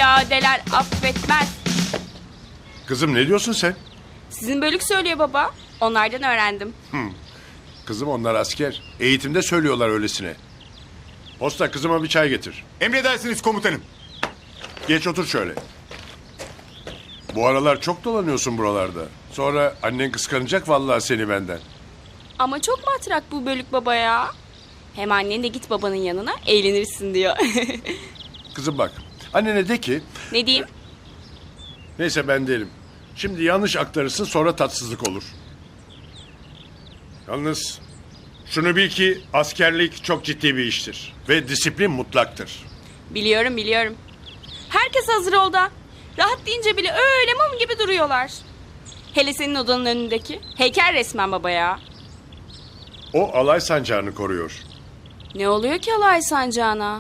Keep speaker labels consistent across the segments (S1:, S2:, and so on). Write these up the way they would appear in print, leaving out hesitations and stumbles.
S1: Piyadeler affetmez.
S2: Kızım ne diyorsun sen?
S1: Sizin bölük söylüyor baba. Onlardan öğrendim.
S2: Kızım onlar asker. Eğitimde söylüyorlar öylesine. Posta kızıma bir çay getir.
S3: Emredersiniz komutanım.
S2: Geç otur şöyle. Bu aralar çok dolanıyorsun buralarda. Sonra annen kıskanacak vallahi seni benden.
S1: Ama çok matrak bu bölük baba ya. Hem annen de git babanın yanına eğlenirsin diyor.
S2: Kızım bak, annene de ki...
S1: Ne diyeyim?
S2: Neyse ben değilim. Şimdi yanlış aktarırsın sonra tatsızlık olur. Yalnız şunu bil ki askerlik çok ciddi bir iştir. Ve disiplin mutlaktır.
S1: Biliyorum. Herkes hazır oldu. Rahat deyince bile öyle mum gibi duruyorlar. Hele senin odanın önündeki. Heykel resmen baba ya.
S2: O alay sancağını koruyor.
S1: Ne oluyor ki alay sancağına?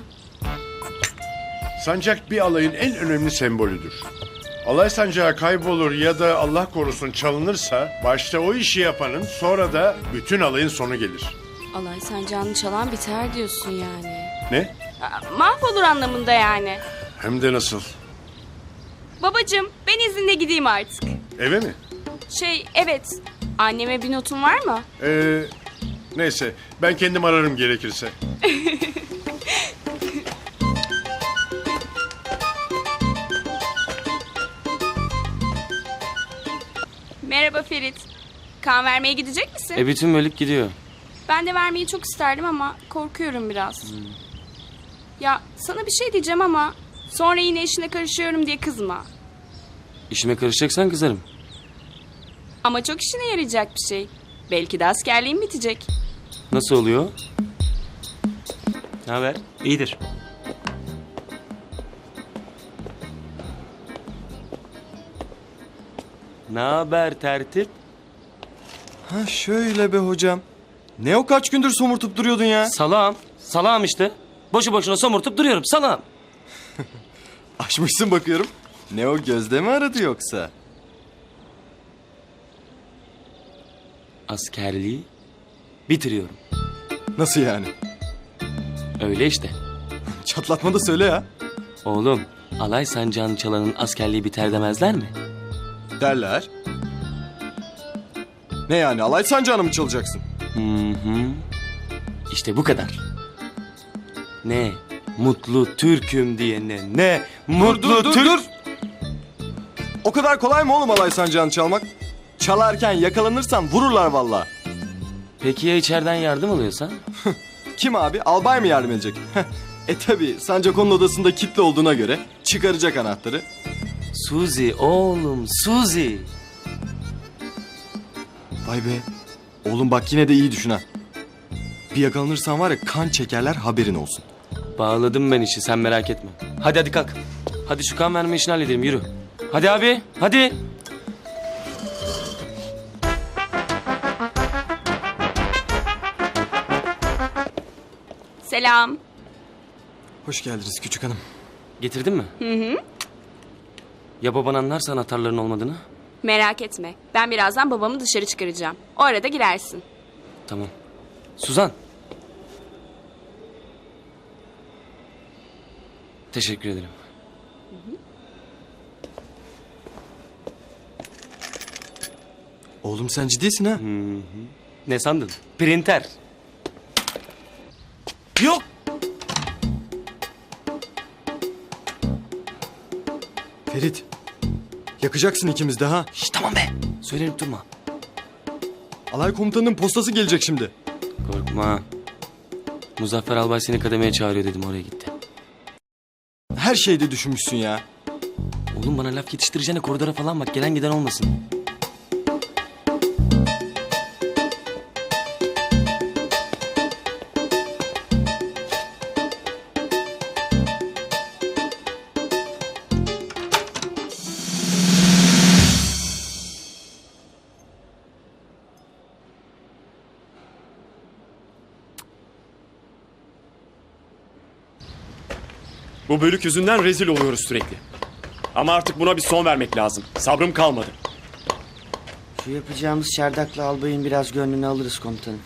S2: Sancak bir alayın en önemli sembolüdür. Alay sancağı kaybolur ya da Allah korusun çalınırsa başta o işi yapanın sonra da bütün alayın sonu gelir.
S1: Alay sancağını çalan biter diyorsun yani.
S2: Ne?
S1: Mahvolur anlamında yani.
S2: Hem de nasıl?
S1: Babacığım ben izinle gideyim artık.
S2: Eve mi?
S1: Evet. Anneme bir notun var mı?
S2: Neyse ben kendim ararım gerekirse.
S1: Merhaba Ferit. Kan vermeye gidecek misin?
S4: Bütün bölük gidiyor.
S1: Ben de vermeyi çok isterdim ama korkuyorum biraz. Ya sana bir şey diyeceğim ama sonra yine işine karışıyorum diye kızma.
S4: İşime karışacaksan kızarım.
S1: Ama çok işine yarayacak bir şey. Belki de askerliğin bitecek.
S4: Nasıl oluyor? Ne haber?
S5: İyidir.
S4: Ne haber tertip?
S5: Ha şöyle be hocam. Ne o kaç gündür somurtup duruyordun ya?
S4: Salağım işte. Boşu boşuna somurtup duruyorum salağım.
S5: Açmışsın bakıyorum. Ne o gözde mi aradı yoksa?
S4: Askerliği bitiriyorum.
S5: Nasıl yani?
S4: Öyle işte.
S5: Çatlatma da söyle ya.
S4: Oğlum alay sancağını çalanın askerliği biter demezler mi?
S5: Derler. Ne yani alay sancağını mı çalacaksın?
S4: İşte bu kadar. Ne mutlu Türk'üm diyene ne mutlu Türk.
S5: O kadar kolay mı oğlum alay sancağını çalmak? Çalarken yakalanırsan vururlar vallahi.
S4: Peki ya içeriden yardım alıyorsan?
S5: Kim abi? Albay mı yardım edecek? Tabi sancak onun odasında kilitli olduğuna göre çıkaracak anahtarı.
S4: Suzi oğlum Suzi.
S5: Vay be. Oğlum bak yine de iyi düşün ha. Bir yakalanırsan var ya kan çekerler haberin olsun.
S4: Bağladım ben işi sen merak etme. Hadi kalk. Hadi şu kan verme işini halledelim yürü. Hadi abi hadi.
S1: Selam.
S5: Hoş geldiniz küçük hanım.
S4: Getirdin mi? Ya baban anlarsa anahtarların olmadığını?
S1: Merak etme. Ben birazdan babamı dışarı çıkaracağım. O arada girersin.
S4: Tamam. Suzan. Teşekkür ederim.
S5: Oğlum sen ciddisin ha?
S4: Ne sandın? Printer. Yok.
S5: Ferit. Yakacaksın ikimiz de ha.
S4: Şş, tamam be. Söylenip durma.
S5: Alay komutanının postası gelecek şimdi.
S4: Korkma. Muzaffer Albay seni kademeye çağırıyor dedim oraya gitti.
S5: Her şeyde düşünmüşsün ya.
S4: Oğlum bana laf yetiştireceğine koridora falan bak gelen giden olmasın.
S6: Bu bölük yüzünden rezil oluyoruz sürekli. Ama artık buna bir son vermek lazım. Sabrım kalmadı.
S7: Şu yapacağımız çardakla albayın biraz gönlünü alırız komutanım.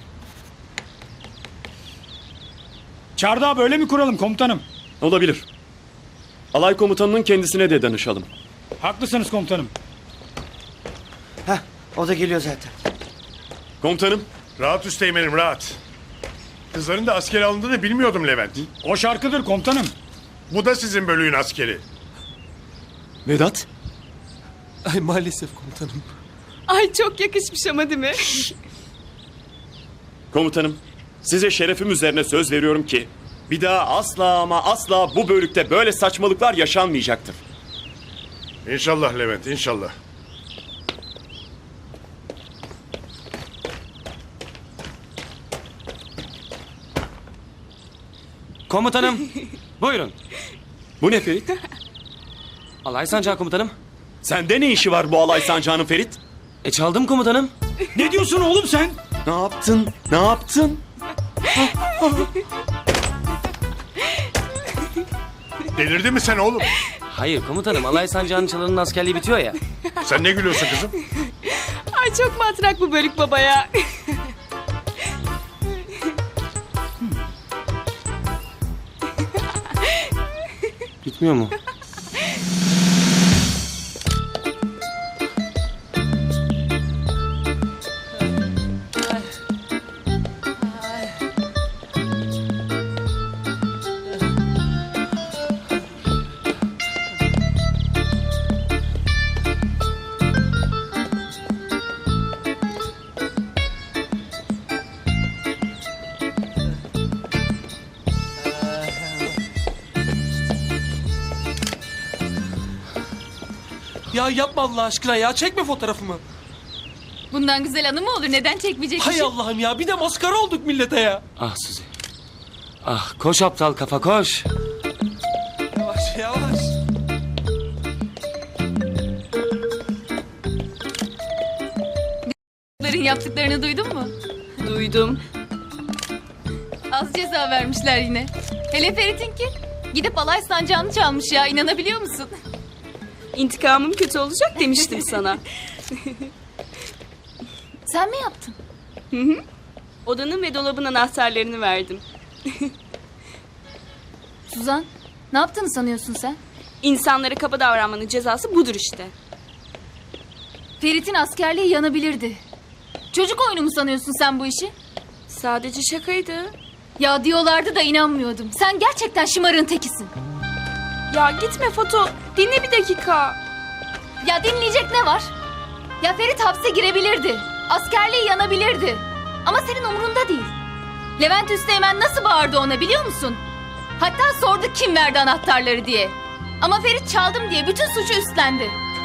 S8: Çardağı böyle mi kuralım komutanım?
S6: Olabilir. alay komutanının kendisine de danışalım.
S3: Haklısınız komutanım.
S7: Heh, o da geliyor zaten.
S6: Komutanım,
S2: Rahat üsteğmenim rahat. Kızların da askere alındığını bilmiyordum Levent.
S3: O şarkıdır komutanım.
S2: Bu da sizin bölüğün askeri.
S6: Vedat.
S5: Ay maalesef komutanım.
S1: Ay çok yakışmış ama değil mi?
S6: Komutanım, size şerefim üzerine söz veriyorum ki bir daha asla ama asla bu bölükte böyle saçmalıklar yaşanmayacaktır.
S2: İnşallah Levent, inşallah.
S4: Komutanım. Buyurun.
S6: Bu ne Ferit?
S4: Alay sancağı komutanım.
S6: Sende ne işi var bu alay sancağının Ferit?
S4: Çaldım komutanım.
S3: Ne diyorsun oğlum sen?
S6: Ne yaptın? Ne yaptın?
S2: Delirdin mi sen oğlum?
S4: Hayır komutanım, alay sancağının çalanın askerliği bitiyor ya.
S2: Sen ne gülüyorsun kızım?
S1: Ay çok matrak bu bölük baba ya.
S4: Bitmiyor mu?
S8: Ya yapma Allah aşkına ya. Çekme fotoğrafımı.
S9: Bundan güzel anı mı olur? Neden çekmeyecekmişim?
S8: Hay Allah'ım ya. Bir de maskara olduk millete ya.
S4: Ah Suzi. Ah koş aptal kafa koş.
S8: Yavaş yavaş.
S9: Bunların yaptıklarını duydun mu?
S1: Duydum.
S9: Az ceza vermişler yine. Hele Ferit'inki. Gidip alay sancağını çalmış ya. İnanabiliyor musun?
S1: İntikamım kötü olacak demiştim sana.
S9: Sen mi yaptın?
S1: Odanın ve dolabın anahtarlarını verdim.
S9: Suzan, ne yaptığını sanıyorsun sen?
S1: İnsanlara kaba davranmanın cezası budur işte.
S9: Ferit'in askerliği yanabilirdi. Çocuk oyunu mu sanıyorsun sen bu işi?
S1: Sadece şakaydı.
S9: Ya diyorlardı da inanmıyordum. Sen gerçekten şımarığın tekisin.
S1: Ya gitme Foto. Dinle bir dakika.
S9: Ya dinleyecek ne var? Ya Ferit hapse girebilirdi. Askerliği yanabilirdi. Ama senin umurunda değil. Levent Üsteğmen nasıl bağırdı ona biliyor musun? Hatta sordu kim verdi anahtarları diye. Ama Ferit çaldım diye bütün suçu üstlendi.